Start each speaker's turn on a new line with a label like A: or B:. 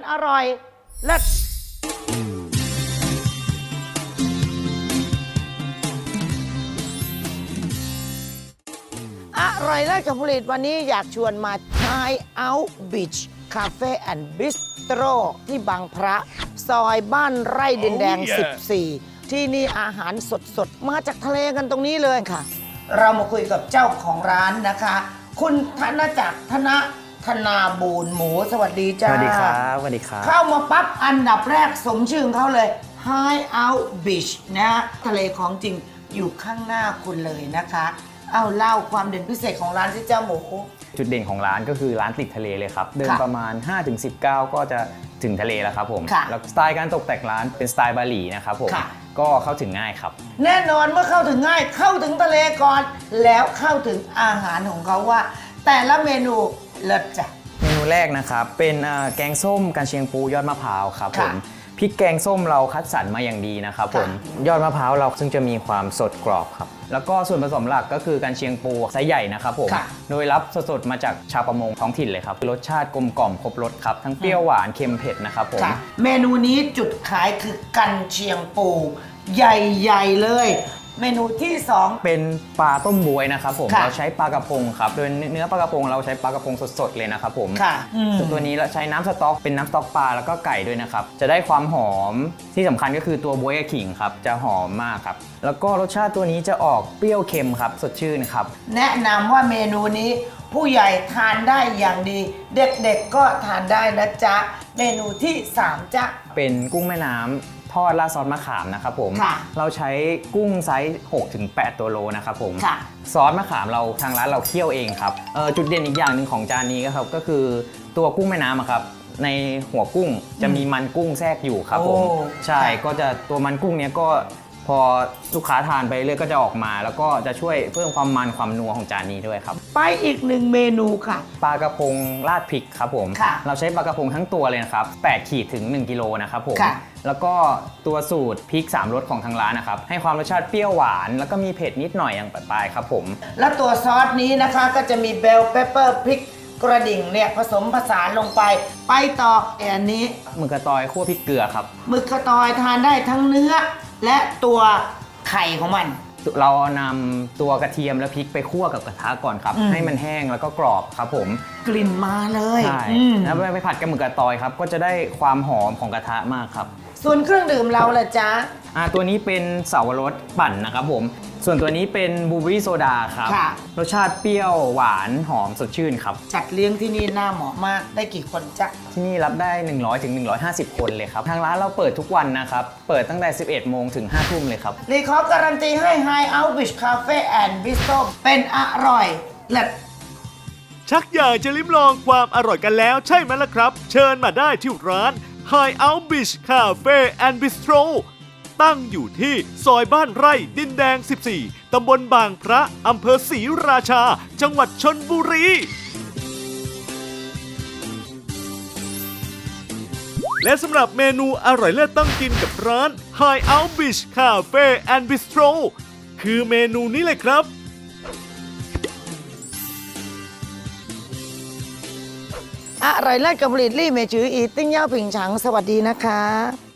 A: อร่อยเลิศอร่อยเลิศกับผลิตวันนี้อยากชวนมา Hideout Beach Cafe and Bistro ที่บางพระซอยบ้านไร่ดินแดง 14 ที่นี่อาหารสดๆ มาจากทะเลกันตรงนี้เลยค่ะ เรามาคุยกับเจ้าของร้านนะคะ คุณธนจักรธนาบูรณ์หมูสวัสดีจ้า
B: สวัสดีครับสวัสดีครับ
A: เข้ามาปั๊บอันดับแรกสมชื่อของเขาเลย Hideout Beach นะทะเลของจริงอยู่ข้างหน้าคุณเลยนะคะ เอาเล่าความเด่นพิเศษของร้านที่เจ้าหมู
B: จุดเด่นของร้านก็คือร้านติดทะเลเลยครับเดินประมาณ 5-10 ก้าวก็จะถึงทะเลแล้วครับผมแล้วสไตล์การตกแต่งร้านเป็นสไตล์บาหลีนะครับผมก็เข้าถึงง่ายครับ
A: แน่นอนเมื่อเข้าถึงง่ายเข้าถึงทะเลก่อนแล้วเข้าถึงอาหารของเขาว่า แต่ละเมนูเลิศจ้ะ
B: เมนูแรกนะครับเป็นแกงส้มกันเชียงปูยอดมะพร้าวครับผมพริกแกงส้มเราคัดสรรมาอย่างดีนะครับผมยอดมะพร้าวเราซึ่งจะมีความสดกรอบครับแล้วก็ส่วนผสมหลักก็คือกันเชียงปูไซส์ใหญ่นะครับผมโดยรับสดๆมาจากชาวประมงท้องถิ่นเลยครับรสชาติกลมกล่อมครบรสครับทั้งเปรี้ยวหวานเค็มเผ็ดนะครับผม
A: เมนูนี้จุดขายคือกันเชียงปูใหญ่ๆเลยเมนูที่2
B: เป็นปลาต้มบวยนะครับผมเราใช้ปลากระพงครับโดยเนื้อปลากระพงเราใช้ปลากระพงสดๆเลยนะครับผมส่วนตัวนี้เราใช้น้ำสต๊อกเป็นน้ำสต๊อกปลาแล้วก็ไก่ด้วยนะครับจะได้ความหอมที่สำคัญก็คือตัวบวยกับขิงครับจะหอมมากครับแล้วก็รสชาติตัวนี้จะออกเปรี้ยวเค็มครับสดชื่นครับ
A: แนะนำว่าเมนูนี้ผู้ใหญ่ทานได้อย่างดีเด็กๆก็ทานได้นะจ๊ะเมนูที่3จ๊ะ
B: เป็นกุ้งแม่น้ำทอดราดซอสมะขามนะครับผมเราใช้กุ้งไซส์ 6-8 ตัวโลนะครับผมซอสมะขามเราทางร้านเราเคี่ยวเองครับจุดเด่นอีกอย่างหนึ่งของจานนี้ก็คือตัวกุ้งแม่น้ำครับในหัวกุ้งจะมีมันกุ้งแทรกอยู่ครับผมใช่ก็จะตัวมันกุ้งเนี้ยก็พอลูกค้าทานไปเรื่อยก็จะออกมาแล้วก็จะช่วยเพิ่มความมันความนัวของจานนี้ด้วยครับ
A: ไปอีก1เมนูค่ะ
B: ปลากระพงราดพริกครับผมเราใช้ปลากระพงทั้งตัวเลยนะครับ8ขีดถึง1กิโลนะครับผมแล้วก็ตัวสูตรพริก3รสของทางร้านนะครับให้ความรสชาติเปรี้ยวหวานแล้วก็มีเผ็ดนิดหน่อยอย่างปลายๆครับผม
A: แล้วตัวซอสนี้นะคะก็จะมีเบลเปเปอร์พริกกระดิ่งเนี่ยผสมผสานลงไปต่ออันนี้
B: หมึกกระตอยคั่วพริกเกลือครับ
A: หมึกกระตอยทานได้ทั้งเนื้อและตัวไข่ของมัน
B: เรานำตัวกระเทียมและพริกไปคั่วกับกระทะก่อนครับให้มันแห้งแล้วก็กรอบครับผม
A: กลิ่นมาเลย
B: ใช่แล้วไปผัดกับหมึกกระตอยครับก็จะได้ความหอมของกระทะมากครับ
A: ส่วนเครื่องดื่มเราล่ะจ๊ะ
B: ตัวนี้เป็นเสาวรสปั่นนะครับผมส่วนตัวนี้เป็นบลูเบอร์รี่โซดาครับรสชาติเปรี้ยวหวานหอมสดชื่นครับ
A: จัดเลี้ยงที่นี่น่าเหมาะมากได้กี่คนจ๊ะ
B: ที่นี่รับได้100-150 คนเลยครับทางร้านเราเปิดทุกวันนะครับเปิดตั้งแต่ 11 โมงถึง 5 ทุ่มเลยครับ
A: รีขอการันตีให้ Hideout Beach Cafe and Bistro เป็นอร่อยเลิศ
C: ชักอยากจะลิ้มลองความอร่อยกันแล้วใช่ไหมล่ะครับเชิญมาได้ที่ร้าน Hideout Beach Cafe and Bistro ตั้งอยู่ที่ซอยบ้านไร่ดินแดง 14 ตำบลบางพระอำเภอศรีราชา จังหวัดชลบุรี และสำหรับเมนูอร่อยเลิศต้องกินกับร้าน Hideout Beach Cafe and Bistro คือเมนูนี้เลยครับ
A: อร่อยเลิศกับผลิตลี่เมจืออีติ้งเย่าผิงฉังสวัสดีนะคะ